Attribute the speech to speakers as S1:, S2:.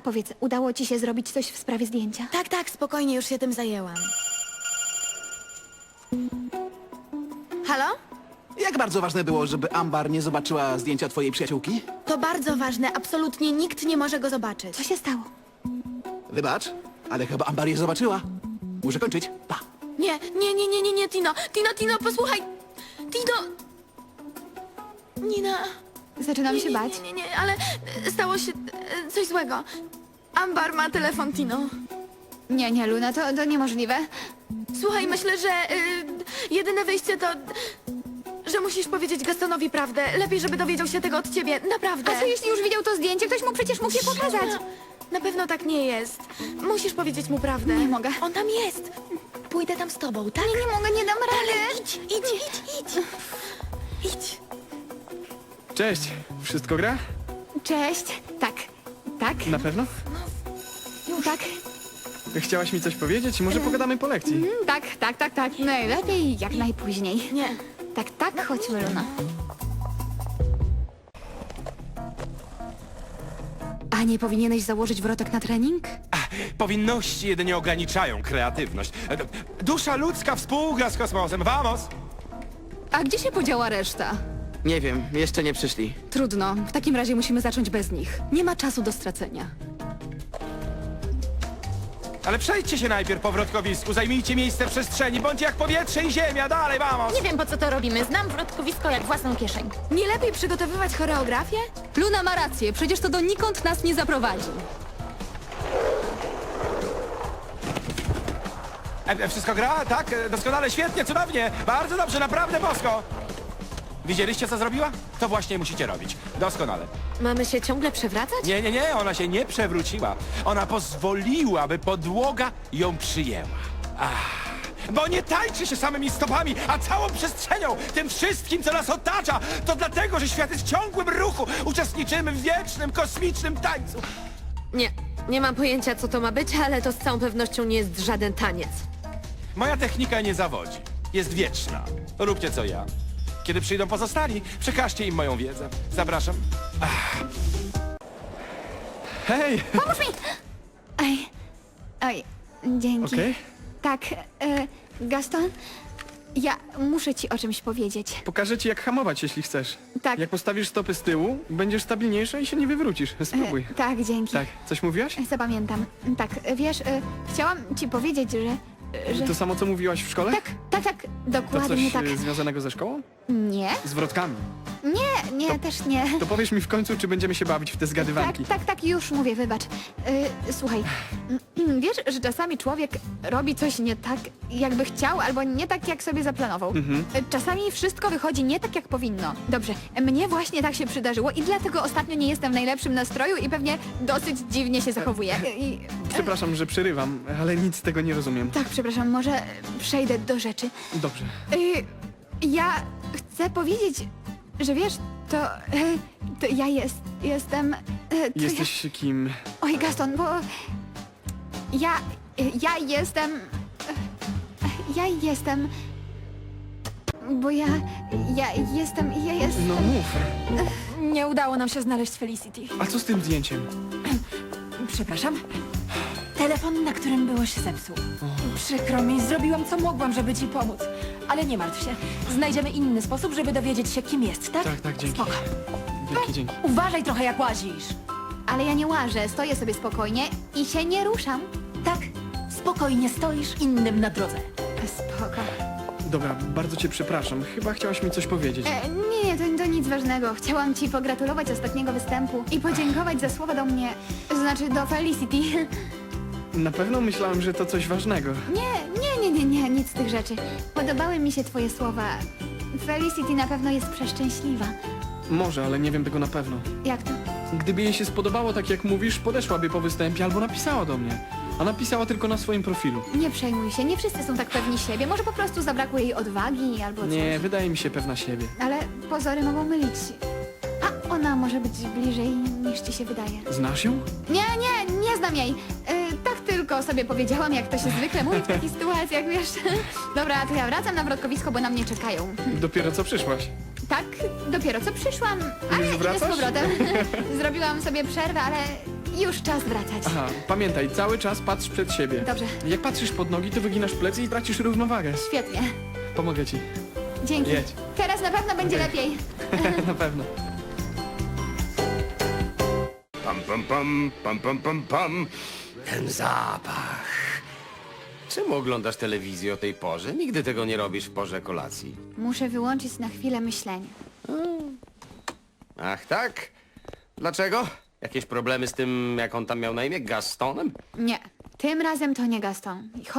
S1: Powiedz, udało ci się zrobić coś w sprawie zdjęcia?
S2: Tak, spokojnie, już się tym zajęłam. Halo?
S3: Jak bardzo ważne było, żeby Ambar nie zobaczyła zdjęcia twojej przyjaciółki?
S2: To bardzo ważne, absolutnie nikt nie może go zobaczyć.
S1: Co się stało?
S3: Wybacz, ale chyba Ambar je zobaczyła. Muszę kończyć. Pa.
S2: Nie, Tino, posłuchaj! Tino! Nina...
S1: Zaczynam się bać.
S2: Nie, ale stało się coś złego. Ambar ma telefon, Tino.
S1: Nie, Luna, to niemożliwe.
S2: Słuchaj, myślę, że jedyne wyjście to... że musisz powiedzieć Gastonowi prawdę. Lepiej, żeby dowiedział się tego od ciebie, naprawdę.
S1: A co jeśli już widział to zdjęcie? Ktoś mu przecież mógł je pokazać.
S2: Na pewno tak nie jest. Musisz powiedzieć mu prawdę.
S1: Nie mogę.
S2: On tam jest. Pójdę tam z tobą, tak?
S1: Nie mogę, nie dam rady.
S2: Idź.
S4: Cześć, wszystko gra?
S1: Cześć. Tak.
S4: Na pewno?
S1: Tak.
S4: Chciałaś mi coś powiedzieć? Może pogadamy po lekcji?
S1: Tak. Najlepiej jak najpóźniej.
S2: Nie.
S1: Tak, chodźmy, Luna. A nie powinieneś założyć wrotek na trening?
S5: Powinności jedynie ograniczają kreatywność. Dusza ludzka współgra z kosmosem. Vamos!
S6: A gdzie się podziała reszta?
S7: Nie wiem, jeszcze nie przyszli.
S6: Trudno, w takim razie musimy zacząć bez nich. Nie ma czasu do stracenia.
S5: Ale przejdźcie się najpierw po wrotkowisku, zajmijcie miejsce w przestrzeni, bądź jak powietrze i ziemia, dalej, vamos!
S8: Nie wiem, po co to robimy. Znam wrotkowisko jak własną kieszeń.
S2: Nie lepiej przygotowywać choreografię?
S6: Luna ma rację, przecież to donikąd nas nie zaprowadzi.
S5: Wszystko gra? Tak? Doskonale, świetnie, cudownie! Bardzo dobrze, naprawdę bosko! Widzieliście, co zrobiła? To właśnie musicie robić. Doskonale.
S2: Mamy się ciągle przewracać?
S5: Nie, ona się nie przewróciła. Ona pozwoliła, by podłoga ją przyjęła. Bo nie tańczy się samymi stopami, a całą przestrzenią, tym wszystkim, co nas otacza. To dlatego, że świat jest w ciągłym ruchu. Uczestniczymy w wiecznym, kosmicznym tańcu.
S2: Nie mam pojęcia, co to ma być, ale to z całą pewnością nie jest żaden taniec.
S5: Moja technika nie zawodzi. Jest wieczna. Róbcie co ja. Kiedy przyjdą pozostali, przekażcie im moją wiedzę. Zapraszam.
S4: Hej!
S1: Oj, dzięki.
S4: Okej.
S1: Tak, Gaston, ja muszę ci o czymś powiedzieć.
S4: Pokażę ci, jak hamować, jeśli chcesz.
S1: Tak.
S4: Jak postawisz stopy z tyłu, będziesz stabilniejsza i się nie wywrócisz. Spróbuj.
S1: Tak, dzięki.
S4: Tak, coś mówiłaś?
S1: Zapamiętam. Tak, wiesz, chciałam ci powiedzieć, że...
S4: To samo, co mówiłaś w szkole?
S1: Tak,
S4: To
S1: dokładnie
S4: coś
S1: tak.
S4: związanego ze szkołą?
S1: Nie,
S4: Z wrotkami.
S1: nie, też nie.
S4: To powiesz mi w końcu, czy będziemy się bawić w te zgadywanki.
S1: Tak, już mówię, wybacz. Słuchaj, wiesz, że czasami człowiek robi coś nie tak, jakby chciał, albo nie tak, jak sobie zaplanował. Czasami wszystko wychodzi nie tak, jak powinno. Dobrze, mnie właśnie tak się przydarzyło i dlatego ostatnio nie jestem w najlepszym nastroju i pewnie dosyć dziwnie się zachowuję.
S4: Przepraszam, że przerywam, ale nic z tego nie rozumiem.
S1: Tak, przepraszam, może przejdę do rzeczy.
S4: Dobrze.
S1: Ja chcę powiedzieć, że wiesz, to ja jestem...
S4: Jesteś kim?
S1: Oj, Gaston, bo ja jestem... Ja jestem... Bo ja jestem...
S4: No mów.
S8: Nie udało nam się znaleźć Felicity.
S4: A co z tym zdjęciem?
S8: Przepraszam. Telefon, na którym byłeś, się zepsuł. Przykro mi, zrobiłam co mogłam, żeby ci pomóc. Ale nie martw się. Znajdziemy inny sposób, żeby dowiedzieć się, kim jest, tak?
S4: Tak, dzięki.
S8: Spoko.
S4: Dzięki.
S8: Uważaj trochę, jak łazisz.
S1: Ale ja nie łażę, stoję sobie spokojnie i się nie ruszam.
S8: Tak, spokojnie stoisz innym na drodze.
S1: Spoko.
S4: Dobra, bardzo cię przepraszam. Chyba chciałaś mi coś powiedzieć.
S1: Nie, to nic ważnego. Chciałam ci pogratulować ostatniego występu i podziękować za słowa do mnie, znaczy do Felicity.
S4: Na pewno myślałem, że to coś ważnego.
S1: Nie, nic z tych rzeczy. Podobały mi się twoje słowa. Felicity na pewno jest przeszczęśliwa.
S4: Może, ale nie wiem tego na pewno.
S1: Jak to?
S4: Gdyby jej się spodobało tak jak mówisz, podeszłaby po występie albo napisała do mnie. A napisała tylko na swoim profilu.
S1: Nie przejmuj się, nie wszyscy są tak pewni siebie. Może po prostu zabrakło jej odwagi albo coś.
S4: Nie, wydaje mi się pewna siebie.
S1: Ale pozory mogą mylić. A ona może być bliżej niż ci się wydaje.
S4: Znasz ją?
S1: Nie znam jej. Tak tylko sobie powiedziałam, jak to się zwykle mówi w takich sytuacjach, wiesz. Dobra, to ja wracam na wrotkowisko, bo na mnie czekają.
S4: Dopiero co przyszłaś.
S1: Tak, dopiero co przyszłam, ale
S4: Już
S1: idę z
S4: wracasz?
S1: powrotem. Zrobiłam sobie przerwę, ale Już czas wracać.
S4: Aha, pamiętaj, cały czas patrz przed siebie.
S1: Dobrze.
S4: Jak patrzysz pod nogi, to wyginasz plecy i tracisz równowagę.
S1: Świetnie.
S4: Pomogę ci.
S1: Dzięki.
S4: Jedź.
S1: Teraz na pewno będzie lepiej.
S4: Na pewno.
S9: Pam, pam, pam, pam, pam, pam, pam. Ten zapach. Czemu oglądasz telewizję o tej porze? Nigdy tego nie robisz w porze kolacji.
S1: Muszę wyłączyć na chwilę myślenie.
S9: Ach tak? Dlaczego? Jakieś problemy z tym, jak on tam miał na imię? Gastonem?
S1: Nie, tym razem to nie Gaston.